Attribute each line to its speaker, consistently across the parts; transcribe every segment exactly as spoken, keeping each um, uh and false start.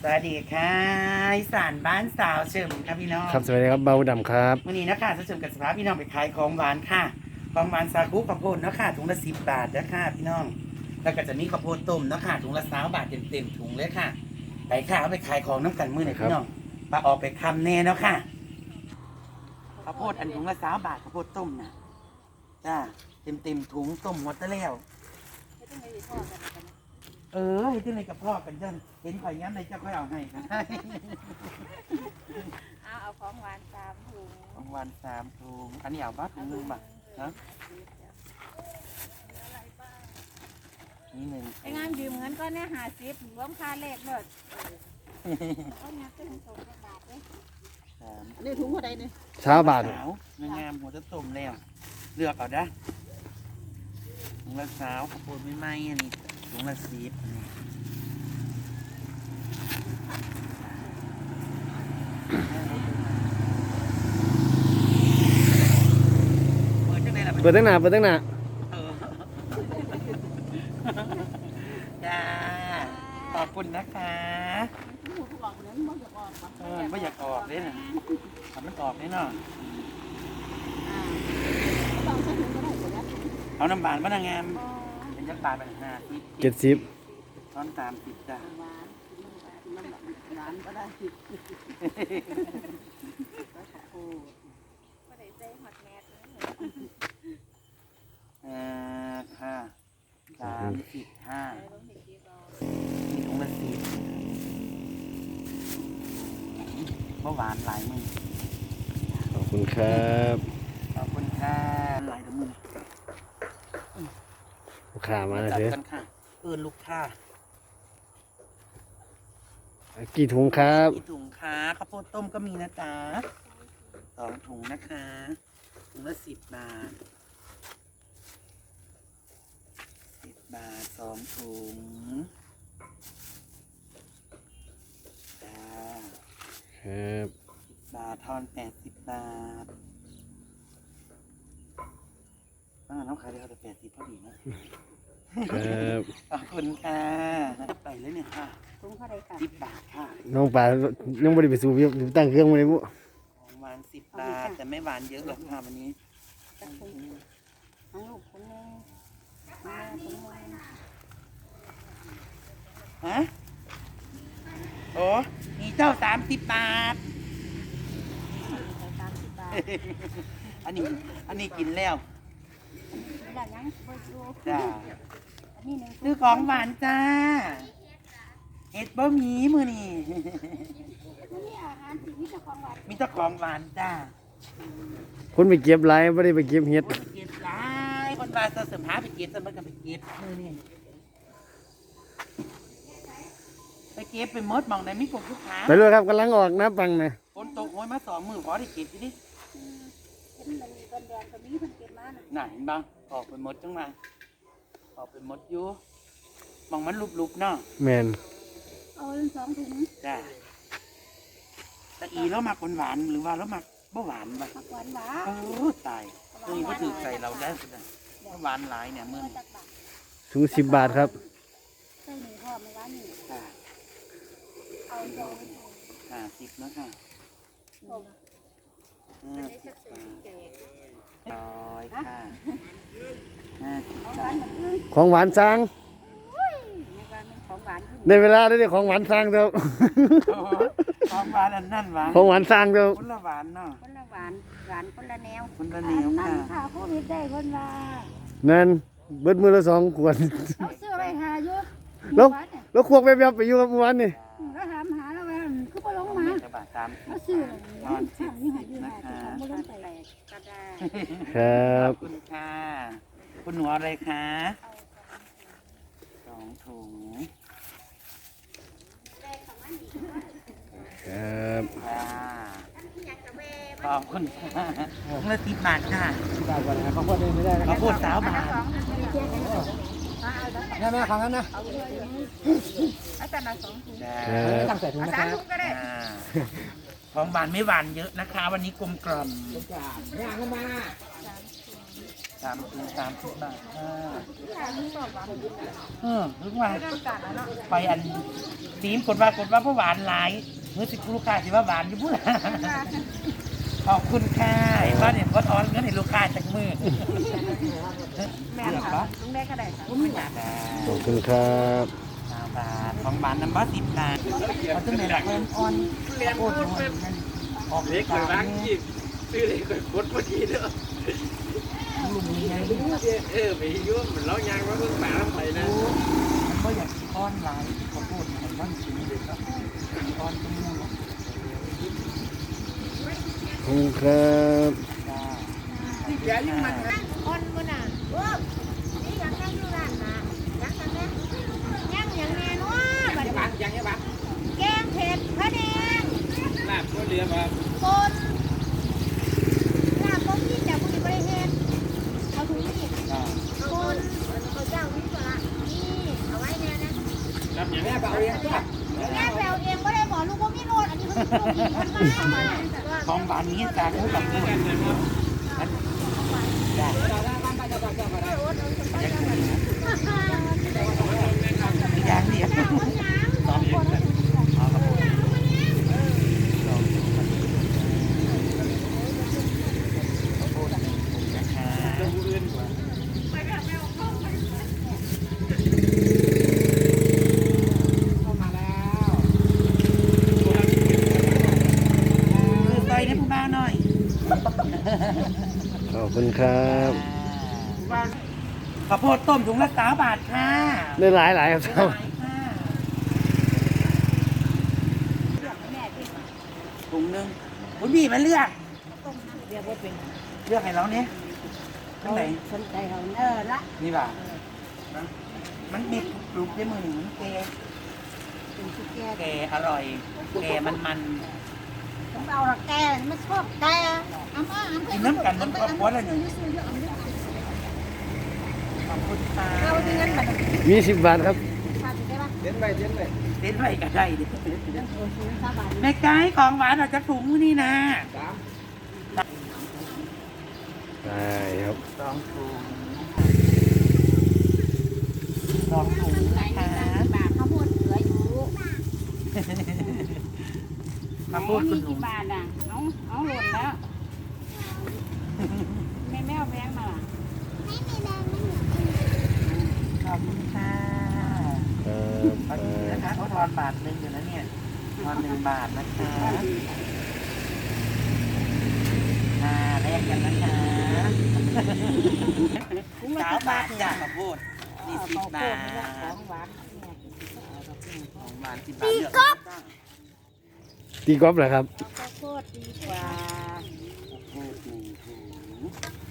Speaker 1: สวัสดีค่ะอีสานบ้านสาวเฉิมครับพี่น้อง
Speaker 2: ครับสวัสดีครับเบาดำครับ
Speaker 1: วันนี้นะคะเฉิมกับสภาพพี่น้องไปขายของหวานค่ะของหวานซากุข้าวโพดเนาะค่ะถุงละสิบบาทนะคะพี่น้องแล้วก็จะมีข้าวโพดต้มเนาะค่ะถุงละสามบาทเต็มๆถุงเลยค่ะไปค่ะเอาไปขายของน้ำกันมื้อไหนพี่น้องมาออกไปคำแน่เนาะค่ะข้าวโพดอันถุงละสามบาทข้าวโพดต้มนะจ้าเต็มๆถุงต้มหมดแล้วเออเห็นที่ไหนกับพ่อกันเดินเห็นข่อยย้ำในเจ้าค่อยเอาให้ค่ะ
Speaker 3: เอาเอาของหวานสามถุง
Speaker 1: ของวันสามถุงอันนี้เอาบ้าถุงหนึ่งบาทนะนี่หนึ่ง
Speaker 3: ไอ้งานยืมเงินก็เนี่ยหาสิบรวมค่าเลขเลยเอาเงินเป็นสองบาทเลย
Speaker 1: สาม
Speaker 4: อันนี้ถุงเท่าใดเนี่ย
Speaker 2: เช้าบาท
Speaker 1: สาวงามหัวจะต้มแล้วเลือกเอาได้ถุงละสาวข้าวโพดไม่ไหมอันนี้ถุงละสิบนี่เปิดจังไดล่ะ
Speaker 2: เปิดตั้งหนาเปิดตั้งหนา
Speaker 1: เออจ้าขอบคุณนะคะ
Speaker 4: ถุงหูทุกหลอกเนี่ยมันอยากออกปะ
Speaker 1: เออไม่อยากออกเลยนะทำมันออกเลยเนาะ
Speaker 4: อ่าไม่ต้องใช้ถุงก็ได้อยู่แล้ว
Speaker 1: เอาน้ำบานมานางงามเป็นยักษ์บานไปห้าสิบ
Speaker 2: เจ็ดสิบ
Speaker 1: ตอนสามสิบจ้ะ
Speaker 4: หวานน้ำหวานก็ได้ผิดโอ้
Speaker 3: ก็ได้ใจหอดแมสเลย
Speaker 1: เออค่ะสามสิบห้า
Speaker 3: ไปลงเห็ดดีรอ
Speaker 1: มีถุงละสิบเมื่อวานหลายมือ
Speaker 2: ขอบคุณครับ
Speaker 1: ขอบคุณค่ะหลายมือ
Speaker 2: ลูกค้ามาแล้ว
Speaker 1: จัด
Speaker 2: เถอะ
Speaker 1: กันค่ะเอินลูกค้า
Speaker 2: กี่ถุงครับ
Speaker 1: กี่ถุงคะข้าวโพดต้มก็มีนะจ๊ะสองถุงนะคะถุงละสิบบาทสิบบาทสองถุงจ้า
Speaker 2: ครับ
Speaker 1: บาททอนแปดสิบบาทบ้านน้องขายได้เขาแต่แปดสิบพอดีนะครับ ขอบคุณค่ะไปเลยเนี่ยค่ะ
Speaker 4: ถุงเท่าใดค่ะ
Speaker 1: สิบบาทค่ะ
Speaker 2: น้องป่ายังไม่ได้ไปสูบอยู่ตั้งเครื่องมาเลยบุ
Speaker 1: ของหวานสิบบาทแต่ไม่หวานเยอะหรอกค่ะวันนี้
Speaker 4: จักถุงทั้งลูกคนนึงแม่คนนึง
Speaker 1: ฮะโอ้มีเจ้าสามสิบบาท
Speaker 4: สามสิบบาท
Speaker 1: อันนี้อันนี้กินแล้ว
Speaker 4: นี่ละยังบ่อยู่
Speaker 1: จ้า
Speaker 4: อันนี้หนึ่ง
Speaker 1: ซื้อของหวานจ้าเห็ดบะหมี่มือนี่
Speaker 4: นี่อาหารที่มีแต่ของหวาน
Speaker 1: มีเจ้าของหวานจ้า
Speaker 2: คนไปเก็บไรไม่ได้ไปเก็บเห็ด
Speaker 1: คนเก็บหลายคนมาเสริมหาไปเก็บสมันก็ไปเก็บมือนี่ไปเก็บไปหมดมองได้มีกลุ่มลูกค้า
Speaker 2: ไปเลยครับกำลังออกนะปังนะ
Speaker 1: ฝนตกโอยมาสองมือพอได้เก็บอยู่ดิ
Speaker 4: เห็นมันมีกันแดดก็มีเพิ่นเก็บมาน่ะ
Speaker 1: น่ะเห็นบ้างออกไปหมดจังมาออกไปหมดอยู่มองมันลุบๆเนาะ
Speaker 2: แมน
Speaker 4: เอาสองถุง
Speaker 1: จ้าแต่อีแล้วมักหวานๆหรือว่าแล้วมักบ่หวานบ่
Speaker 4: ผักหวานหวา
Speaker 1: โอ้ตายตัวนี้ก็ถือใส่เราได้สุดเลยหวานหลายเนี่ยมึง
Speaker 4: จักบาท
Speaker 2: ถุงสิบบาทครับ
Speaker 4: ใส่หนึ่งห่อไม่หวานนี่
Speaker 1: ค่ะ
Speaker 4: เอาสองถุง
Speaker 1: ห้าสิบนะค่ะ
Speaker 4: ถุง
Speaker 1: ห้าสิบบาทร้อยค่ะห้าสิบ
Speaker 4: ของห
Speaker 1: บาว
Speaker 4: าน
Speaker 1: ท
Speaker 4: เหมือนกัน
Speaker 2: ของหวานสร้าง
Speaker 4: ในบ้านเป็นของหวานขึ้น
Speaker 2: ในเวลาได้ของหวานสร้างเถอะ
Speaker 1: โอ้ของหวานอันนั่นหวาน
Speaker 2: ของหวานสร้างเถอะ
Speaker 1: คนละหวานเนาะ
Speaker 4: คนละหวานหวานคนละแนว
Speaker 1: คนละแนว
Speaker 4: นั่
Speaker 1: ค่ะ
Speaker 4: นค่ะโควิดได้คนว่า
Speaker 2: นั่นเบิดมือละสองขวด
Speaker 4: เอาเสื้อไปหาอยู่
Speaker 2: แล้ว
Speaker 4: หวานเนี่ย
Speaker 2: แล้วควงแบบๆไปอยู่กับเมื่อวานนี่
Speaker 4: แล้วถามหาแล้วว่าคือบ่ลงมา
Speaker 1: จะบาทสามสิ
Speaker 4: เอา
Speaker 1: บ
Speaker 4: เสื้อ
Speaker 1: ทอน
Speaker 4: ทางนี้หาอยู่
Speaker 1: นะ
Speaker 4: หา
Speaker 1: คะ
Speaker 4: ที่ของบ่ลงไปก็ได้
Speaker 2: ครับ
Speaker 1: ขอบคุณค่ะ คุณหนูเอาอะไรคะสองถุง
Speaker 2: ครับ
Speaker 1: ค่ะขอบคุณค่ะถุงละสิบบาทค่ะ
Speaker 2: ได้ก่อนนะเขาพูดไม่ได้
Speaker 1: ข้าวโพดสาวบาท
Speaker 2: แม่แม่ของนั้นนะ
Speaker 4: เอาแต่ละสองถุง
Speaker 1: จ้า
Speaker 2: ตั้งใส่ถุง
Speaker 4: เอา
Speaker 2: นะค
Speaker 4: สาม
Speaker 2: รับ
Speaker 4: ถุงก็ได้
Speaker 1: อ่าของหวานไม่หวานเยอะนะคะ วันนี้กลมกล่อม
Speaker 2: ย่างเข้ามา
Speaker 1: สามถึงสามสิบบาทค่ะ
Speaker 3: ค่ะมีสอบหวาน
Speaker 1: เออนึกว่า
Speaker 3: ไม่ต้องจัดแล้วเนาะ
Speaker 1: ไปอันซีมกดว่ากดว่าเพราะหวานหลายเมื่อสิลูกค้าสิว่าหวานอยู่พุ่นขอบคุณค่ะไอ้บ้านเนี่ยพอทอนเงินให้ลูกค้าจากมือ
Speaker 3: แม่ค่ะลุงได้ก็ได้ค่ะ
Speaker 1: ไม่อยาก
Speaker 2: ขอบคุณครับ
Speaker 1: สามบาทของบาทน้ำบัสสิบบาทเขาจะมีหลักเพิ่มออนโคตรนวลนั่นออกเล็กเลยบ้างยี่ซื้อเล็กเลยกดพอดีเด้อลุงมีไงเออไปยุ่งเหมือนเรายางว่าเพิ่งมาแล้วไปนะมันก็อยากก้อนลายเขาพูดเหมือนว่าสีเด็กก็ก้อนเป็นม่วง
Speaker 2: ขอบคุณครับ
Speaker 1: ที่แกยิ่งมัน
Speaker 3: อ่อนบ่น่ะโอ้นี่ยังยังอยู่ร้านน่ะยังยังแม่ยังยังแม่เนาะบัดนี้
Speaker 1: บ้านยังยังบ้าน
Speaker 3: แกงเผ็ดพะแดง
Speaker 1: ลาบก็เรือมา
Speaker 3: ปนลาบบ่มีแต่บ่มีบ่ได้เฮ็ดเอาถุงนี่ปนเอาเจ้านี่ก็ละนี่เอาไว้แน่นะ
Speaker 1: รับอย่างนี้เปล่าเรียนจ้ะ
Speaker 3: แม่แปลเองบ่ได้บอกลูกบ่มีโนดอันนี้มันลูกอีกมันมา
Speaker 1: ของบ้านนี้จากคู่กับคู่ได้อย่างเดียวสองคนเอาละพูดสองคนพูดนะคะคือไปในผู้บ้านหน่อย
Speaker 2: ขอบคุณครับ
Speaker 1: ข้าวโพดต้มถุงละสามบาทค่ะ
Speaker 2: ได้หลายหลายครับ
Speaker 1: หลายค่ะถุงหนึ่งคุณพี่มาเลือก
Speaker 3: เรียกว่าเป็น
Speaker 1: เลือกให้เราเนี่ยทั้งไหน
Speaker 3: สนใจเขาเออละ
Speaker 1: นี่ป่ะมันมีกรุบด้วยมือหนึ่งมันแก
Speaker 3: เป็นชุดแก
Speaker 1: แกอร่อย แกมันมัน
Speaker 3: ต้องเอาละแกไม่ชอบแกเอามา
Speaker 1: กินน้ำกันมันครอบครัวเลยขอบคุณค่ะ
Speaker 3: เอาที่งั้นแบบ
Speaker 2: มีสิบบาทครับ
Speaker 3: พาไปได้ปะ
Speaker 1: เต้นไปเต้นไปเต้นไปก็ได้ดิ
Speaker 3: โอ้ซื้อซาบาน
Speaker 1: แม่ไก่ของหวานออกจากถุงนี่นะ
Speaker 2: ได้ครับ
Speaker 1: สองถุงสองถุง
Speaker 3: ไหน
Speaker 1: นะคะ
Speaker 3: บาทข้าวโพดเหลืออยู่
Speaker 1: มาพูดคุณหนู
Speaker 3: กี่บาทอ่ะเอาเอาหล่นแล้วแม่แม่เอาแบงค์มา
Speaker 1: ขอบคุณค่ะ
Speaker 2: ครับ
Speaker 1: ตอนนี้นะคะเขาทอนบาทหนึ่งอยู่แล้วเนี่ยทอนหนึ่งบาทนะคะอ่าแลกกันนะคะสามบาทจ้ะข้าวโพดนี่สิบบาท
Speaker 3: ของหวาน
Speaker 1: ของหวานสิบบาทเลือกก็
Speaker 2: ตีกอล์ฟเหรอครับ
Speaker 3: ข้าวโพดดีกว่า
Speaker 1: ข้าวโพดหนึ่งถุง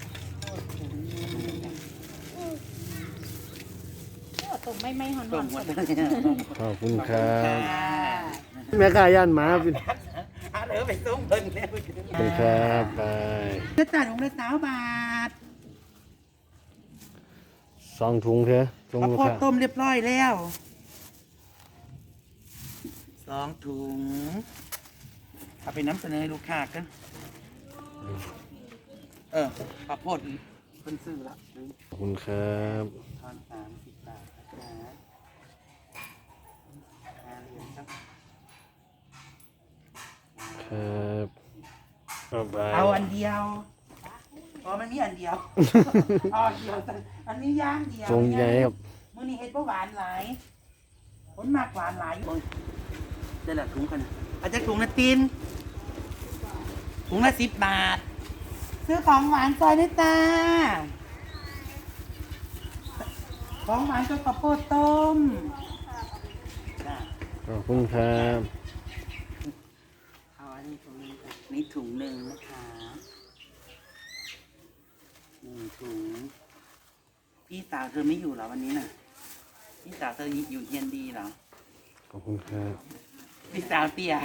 Speaker 3: ตุ่มไม่ไม่หอนห
Speaker 1: ต้
Speaker 3: อ
Speaker 1: ม
Speaker 3: น
Speaker 1: หมด
Speaker 3: สุด
Speaker 1: เลย
Speaker 2: ขอบคุณครับ
Speaker 1: ข
Speaker 2: แม่ค้าย่านหมาเป็น
Speaker 1: อาเหลือไปส่งเพิ่นแล้ว
Speaker 2: ขอบคุณครับไป
Speaker 1: จะจ่ายถุงละสามบาท
Speaker 2: สองถุงเถอะถุง
Speaker 1: ข้าว
Speaker 2: ลูก
Speaker 1: โพด
Speaker 2: ค้า
Speaker 1: ต้มเรียบร้อยแล้วสองถุงเอาไปน้ำเสนอให้ลูกค้ากันเออข้าวโพดเพิ่นซื้อละ
Speaker 2: ขอบคุณครับ
Speaker 1: ทอนสามสิบบาทนะคะห้าเหรียญครับ
Speaker 2: ครับเอาไป
Speaker 1: เอาอันเดียวอ๋อมันมีอันเดียวอ๋อเดียวอันนี้ย่างเดียว
Speaker 2: ทรงใหญ่ครับ
Speaker 1: มื้อนี้เฮ็ดบ่หวานหลายคนมากหวานหลายโอ้ยได้ละถุงกันนะอาจจะถุงละตีนถุงละสิบบาท ซื้อของหวานซอยด้วยจ้าของหวานก็ข้าวโพดต้มจ้า
Speaker 2: ขอบคุณครับ
Speaker 1: เอาอันนี้ถุงหนึงค่ะนี่ถุงหนึ่งนะคะหนึ่งถุงพี่สาวเธอไม่อยู่เหรอวันนี้น่ะพี่สาวเธออยู่เฮียนดีเหรอ
Speaker 2: ขอบคุณครับ
Speaker 1: พี่สาวเตี้ย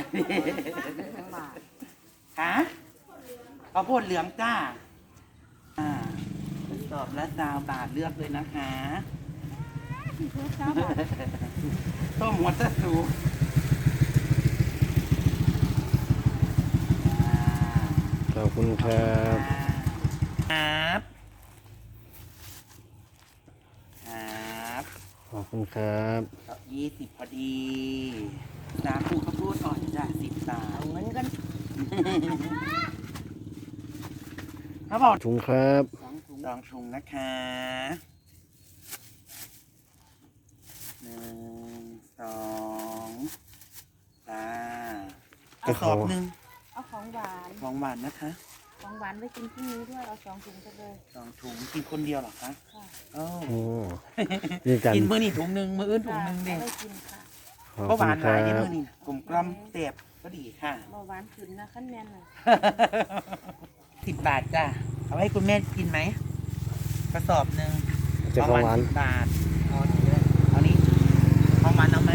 Speaker 1: ฮะข้าวโพดเหลืองจ้าอ่าเป็นสอบและซาวบาทเลือกเลยนะคะต้มหัวตะสูอ่า
Speaker 2: ขอบคุณครับ
Speaker 1: ครับ
Speaker 2: คุณครับ
Speaker 1: ยี่สิบพอดีสามถุงข้าวโพดอ่อนจ้ะสิบบาท
Speaker 4: เอาเงินกัน
Speaker 1: เขาบอก
Speaker 2: ถุงครับ
Speaker 4: สองถุง
Speaker 1: สองถุงนะคะหนึ่งสองสามกระสอบหนึ่ง
Speaker 3: เอาของหวาน
Speaker 1: ของหวานนะคะ
Speaker 3: ของหวานไว้กินพรุ่งนี้ด้วย เอาสองถุงไปเลย
Speaker 1: สองถุงกินคนเดียวเหรอคะ
Speaker 3: ค่ะ
Speaker 1: โอ้
Speaker 2: โอ้นี่กัน
Speaker 1: กินมื้อนี่ถุงหนึ่งมื้ออื่นถุงหนึ่งเด้
Speaker 3: เอาไว้กินค่ะ
Speaker 2: ขอบ
Speaker 1: ก็ห
Speaker 2: คุ
Speaker 1: วา
Speaker 2: ณ
Speaker 1: น
Speaker 2: ค
Speaker 1: หลา
Speaker 2: รั
Speaker 1: ยใน
Speaker 2: บ
Speaker 1: มื้อนี่กลมกล่อมเสียบก็ดีค่ะ
Speaker 3: เบาหวานขึ้นนะขั้นแน่นเลย
Speaker 1: สิบบาทจ้ะเอาให้คุณแม่กินไหมกระสอบหนึ่ง
Speaker 2: จะของหวาน
Speaker 1: สิบบาทเอาอันนี้เอานี้ของหวานเอาไหม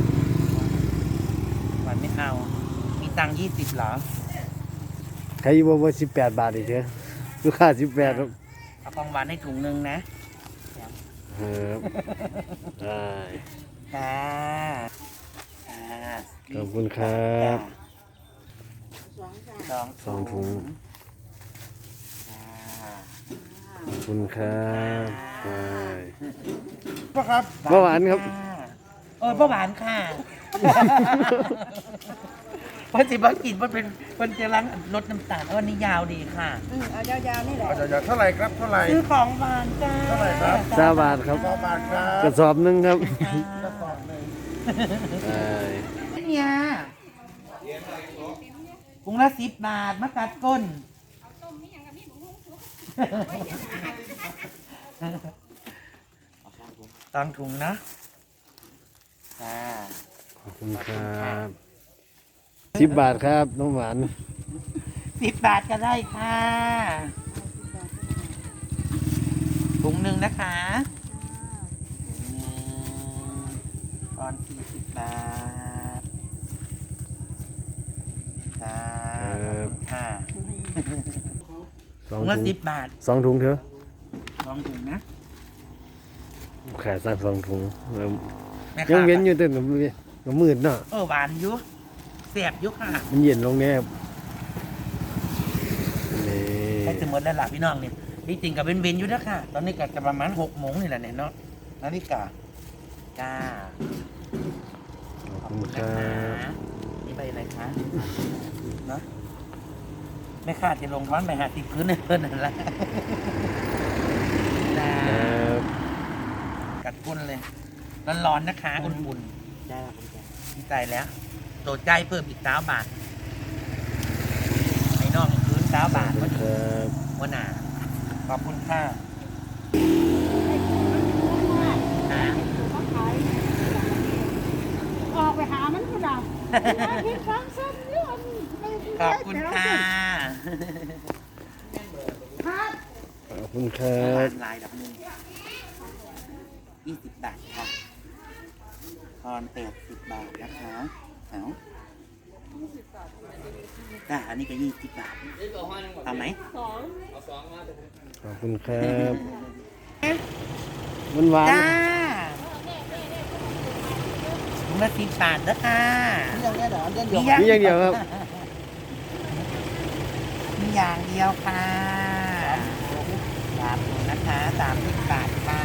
Speaker 1: หวานไม่เอามีตังค์ยี่สิบเหรอ
Speaker 2: ใครอยู่บ่ว่าสิบแปดบาทอีกเถอะลูกค้าสิบแปดครับ
Speaker 1: เอาของหวานให้ถุงหนึ่งนะ
Speaker 2: ครับได้
Speaker 1: ค่ะค่ะ
Speaker 2: ขอบคุณครับ
Speaker 4: สองจ้า
Speaker 1: สอง
Speaker 2: สองถุง
Speaker 1: ค่ะ
Speaker 2: ขอบคุณครับได้
Speaker 1: พ่อครับ
Speaker 2: เบาหวานครับ
Speaker 1: เออเบาหวานค่ะเพราะสิบ่กินมันเป็นมันจะล้างลดน้ำตาลเออนี่ยาวดีค่ะ
Speaker 4: อืมเอายาวๆนี่แหละ
Speaker 5: เดี๋ยวๆเท่าไหร่ครับ เท่าไหร่
Speaker 1: ซื้อของหวานจ้า
Speaker 5: เท่าไหร่ครับ
Speaker 2: สามบาทครับ
Speaker 5: สองบาทครั
Speaker 2: กระ
Speaker 5: บ
Speaker 2: สอบหนึ่งครับ
Speaker 5: กระสอบหนึ่ง
Speaker 2: ได้
Speaker 1: เนี่ยถุงละสิบบาทมะกัดก้นตังถุงนะจ้า
Speaker 2: ขอบคุณครับสิบบาทครับน้องหวาน
Speaker 1: สิบบาทก็ได้ค่ะถุงหนึ่งนะคะถุงหนึ่งตอนสี่สิบบาทจ้าขอบคุณค่ะ
Speaker 2: สอง
Speaker 1: ถุงละ
Speaker 2: ถุง
Speaker 1: สิบบาท
Speaker 2: สองถุงเถอะ
Speaker 1: สองถุงนะ
Speaker 2: ขายสั่งสองถุงเริ่ม
Speaker 1: แม่
Speaker 2: ยั
Speaker 1: ค้าง
Speaker 2: เว้นอยู่แต่ก็มืดเนาะ
Speaker 1: เออหวานอยุเสียบอยุค่ะ
Speaker 2: มันเย็นลงแน่ครับนี่
Speaker 1: ใช้จะหมดแล้วล่ะพี่น้องเนี่ยที่จริงกับเว้นเว้นๆอยู่นะค่ะ ตอนนี้ก็จะประมาณหกโมงนี่แหละเนี่ยเนาะนาฬิกาจ้า
Speaker 2: ขอบคุณค
Speaker 1: นะ
Speaker 2: รับ
Speaker 1: คะนี่ไปอะไรคะเนาะไม่คาดจะลงร้อนไปหาติดพื้นในเพื่อนนั่นแหละจ้า
Speaker 2: ครับ
Speaker 1: กัดกุ้นเลยร้อนๆนะคะอุ่นๆได้ครับดีใจแล้วโตใจเพิ่มอีกสามบาทไอ้น้องพื้นสามบาท
Speaker 2: ขอบ
Speaker 1: ก็
Speaker 2: คุณ
Speaker 1: ดี
Speaker 2: ครับ
Speaker 1: หัวหน้าขอบคุณค่ะนะ
Speaker 3: เขาขายออกไปหามันก็ได้เห็นฟังซ้ำเรื่อง
Speaker 1: ขอบคุณค่ะ
Speaker 3: ครับ
Speaker 2: ขอบคุณครั
Speaker 1: ร้า
Speaker 2: บ
Speaker 1: นลายดับหนึ่งยี่สิบบาทค่ะทอนแปดสิบบาทนะคะเอาจ้าอันนี้ก็ยี่สิบบาทเอาไหม
Speaker 2: ขอบคุณครับมันหวาน
Speaker 1: จ้าถุงละสิบบาทนะคะ
Speaker 4: เรื่องนี้เหรอเรื่องเดียว
Speaker 2: นี่อย่างเดียวครับ
Speaker 1: มีอย่างเดียวค่ะสามถุงนะคะสามสิบบาทค่ะ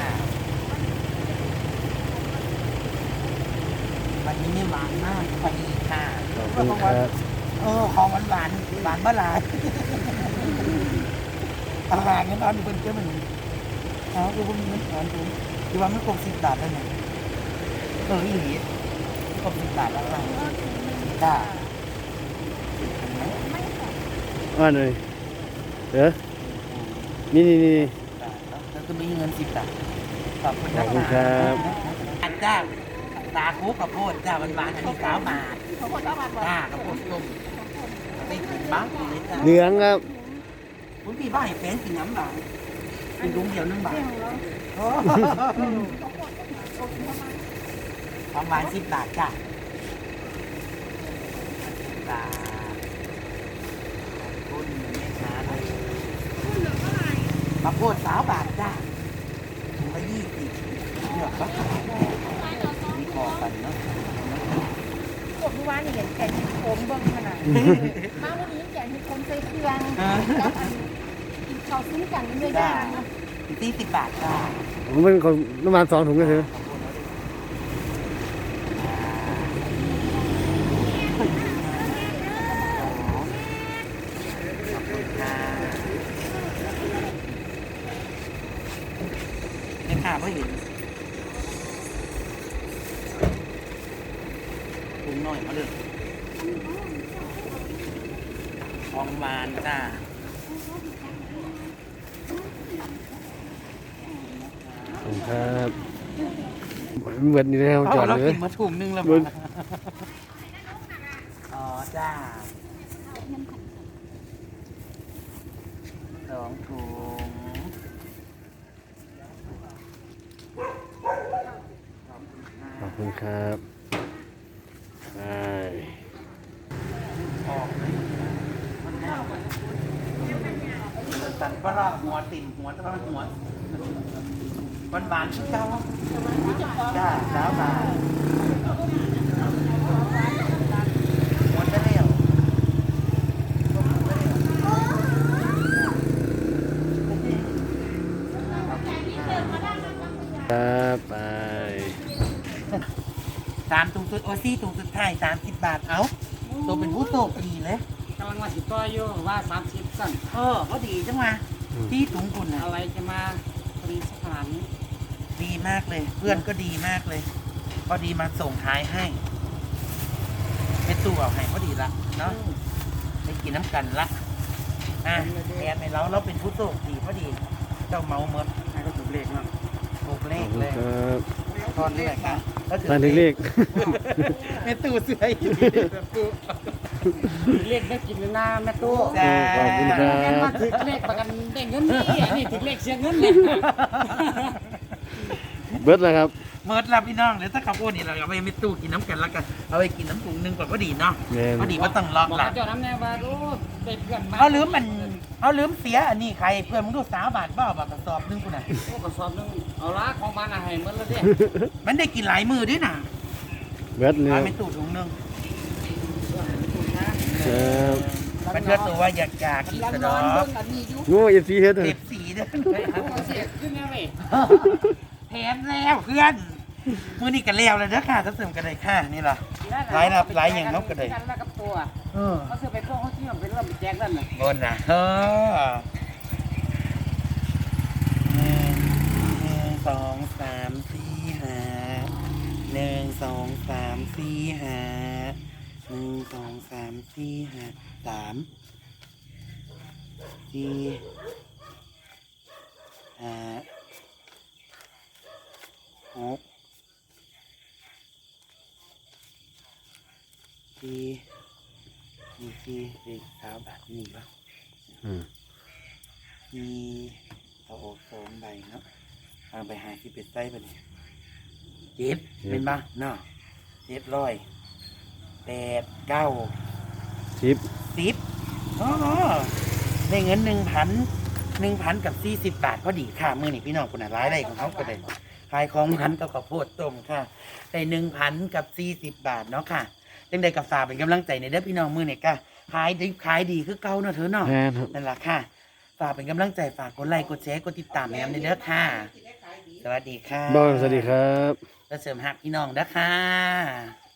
Speaker 1: วันนี้ไม่หวานมากพอดีค่ะ
Speaker 2: ขอบคุณครับ
Speaker 1: เออของหวานหวานหวานเมื่อไหร่อาหารเนี่ยตอนนี้เป็นเจ้ามันอ๋อคือพวกนี้มันหวานถูกคือว่าไม่ครบสิบบาทแล้วเนี่ยเอออีหลีไม่ครบสิบบาทแล้วค่ะจ้า
Speaker 2: ว่าหน่อยเออนี่นี่นี่
Speaker 1: แล้วก็มีเงินสิบบาทขอบคุณ
Speaker 2: ข
Speaker 1: นะ
Speaker 2: อบคุณครับ
Speaker 1: อันจ้าตาคุกกับโพดจ้าหวานหวานๆอันนี้สามบาท
Speaker 3: เขาคนละบาท
Speaker 1: จ้ากับโพดต้มไปกินบ้างเลยจ้า
Speaker 2: เหลืองครับ
Speaker 1: คุณพี่บ้าให้แฟนกินน้ำบาทเป็นลุงเดียวนึงบาทโอ้ของหวานสิบบาทจ้าจ้าขอบคุณแม่ค้าเลยมาโพดสาวบาทจ้าถุงละยี่สิบเลือกก็ขายมีพอกันเนาะ
Speaker 3: พวกที่ว่านี่เห็นแกงโขมเบิ่งขนาดมาวันนี้แกงโขมใส่เครื่องกินข้าวซุ้มกันด้วย
Speaker 1: จ้า
Speaker 3: ย่าง
Speaker 1: สี่สิบบาทจ้า
Speaker 2: ผมเป็นคนประมาณสองถุงก็เถอะ
Speaker 1: ขหน่อยมาเลยของหวานจ้า
Speaker 2: ขอบคุณครับเหมือนนี่แล้วจอด
Speaker 1: เรา
Speaker 2: เลย
Speaker 1: กินมาถุงนึงแล้ว
Speaker 2: เบิ้
Speaker 1: มั้
Speaker 2: ง
Speaker 1: งอ๋อจ้าสองถุง
Speaker 2: ขอบคุณครับไป
Speaker 1: ออกเลยตันปลาหัวติ่มหัวตะวันหัวบานบานๆเจ้าจ้าสาวบานหัวจะเลี้ยว
Speaker 2: ครับไป
Speaker 1: สามถุงสุดโอซี่ถุงสุดท้ายสามสิบบาทเอาตัวเป็นผู้โตดีเลย
Speaker 4: กำลังมาสิต่ออยู่ว่าสามสิบสั่น
Speaker 1: เออเขาดีจังวะที่ถุงคุณนะ
Speaker 4: อะไรจะมาปรีสถาน
Speaker 1: ดีมากเลย เพื่อนก็ดีมากเลยพอดีมาส่งท้ายให้เป็นตู้เอาให้พอดีละเนาะได้กินน้ำกันละอ่ะแอนให้เราเราเป็นผู้โชคดีพอดีเจ้าเมาเมิด
Speaker 4: ให้ก็ถูกเลขเนาะ
Speaker 1: ถูกเล
Speaker 2: ขอบคุณ
Speaker 1: ขเลย
Speaker 2: ครับ
Speaker 1: ตอนนี้แหละค่ะแล้วถือ
Speaker 2: ตอนเล็ก
Speaker 1: เป็นตู้เสืออยู่
Speaker 4: ถูกเลขได้กินเลยนะแม่ตู้
Speaker 1: จ้า
Speaker 2: ขอบคุณครั
Speaker 4: แม่นว่า
Speaker 2: บ
Speaker 4: ถูกเลขประกันได้เงินนี่อันนี้ถูกเลขเสียเงินเลย
Speaker 2: เบิดแล้วครับ
Speaker 1: เมิดรับพี่น้องเดี๋ยวถ้าขับโอ้นี่เราเอาไปไม่ตู้กินน้ำกันแล้วกันเอาไปกินน้ำถุงหนึงก่อนพอดีเนาะ
Speaker 2: แม่น
Speaker 1: พอดีว่าต้องล็อก
Speaker 4: บอก
Speaker 1: หลั
Speaker 4: กับ
Speaker 1: ง
Speaker 4: เจ้าน้ำแน่ว่าโอ้ได้เพื่อนมา
Speaker 1: เขาลืมมันเขาลืมเสียอันนี้ใครเพื่อนมึงดูสาวบาทบ้าบาทกระสอบหนึงกูน่ะ
Speaker 4: โอ้กระสอบหนึงเอาละของบ้านอาหารเหมือนแล้วเด้
Speaker 1: มันได้กินหลายมือด้วยนะ
Speaker 2: เบิดแล้
Speaker 1: เอา
Speaker 2: ว
Speaker 1: ไปตู้ถุงหนึง
Speaker 2: ครับ
Speaker 1: มันเชื่อตัวว่าอยากอยากกิน
Speaker 4: ร้าน
Speaker 1: สะด
Speaker 4: ร้
Speaker 1: อ
Speaker 4: อนเบิ่งอันนี้อยู่
Speaker 2: โง่เอฟซีเฮ็ด
Speaker 1: เท
Speaker 2: เลย
Speaker 1: ปสีเด้อ
Speaker 4: โอ้เสียขึ้นแน่เลย
Speaker 1: แถมแล้วเพื่อนมือนี่กันแล้วเลยเด้อค่ะถ้าเสริมกันเลยค่ะนี่ล่ะ หลายนับหลายอย่างเนาะก็ได้
Speaker 4: กันแล้วกับตัว
Speaker 1: เออ
Speaker 4: เขาซื้อไปพวกเขาที่มันเป็นเรื่องไปแจกนั่นน่ะ
Speaker 1: บนนะเออหนึ่งหนึ่งสองสามสี่ห้าหนึ่งสองสามสี่ห้าหนึ่งสองสามสี่ห้าสามสี่ห้าหกสี่มีสี่เด็กสาวแบบนี้ปะ
Speaker 2: อืม
Speaker 1: มีเอาออกสองใบเนาะเอาไปหาที่เป็ดไส้ไปเลยเจ็ดเป็นปะเนาะเจ็ดร้อยแปดเก้า
Speaker 2: ทิป
Speaker 1: สิบอ๋อได้เงินหนึ่งพันหนึ่งพันกับสี่สิบบาทพอดีค่ะมือนี่พี่น้องคนไหนร้ายได้ของเขาก็ได้ขายของพันกับข้าวโพดต้มค่ะได้หนึ่งพันกับสี่สิบบาทเนาะค่ะจังใดกับฝากเป็นกำลังใจในเด้อพี่น้องมือนี่ก็ขายดีขายดีคือเก่าเนาะเธอเนาะ
Speaker 2: แม่นครับ
Speaker 1: นั่นแหละค่ะ ฝากเป็นกำลังใจฝากกดไลค์กดแชร์กดติดตามแอมในเด้อค่ะ สวัสดีค่ะ
Speaker 2: บอลสวัสดีครับ
Speaker 1: และเสริมหักพี่น้องเด้อค่ะ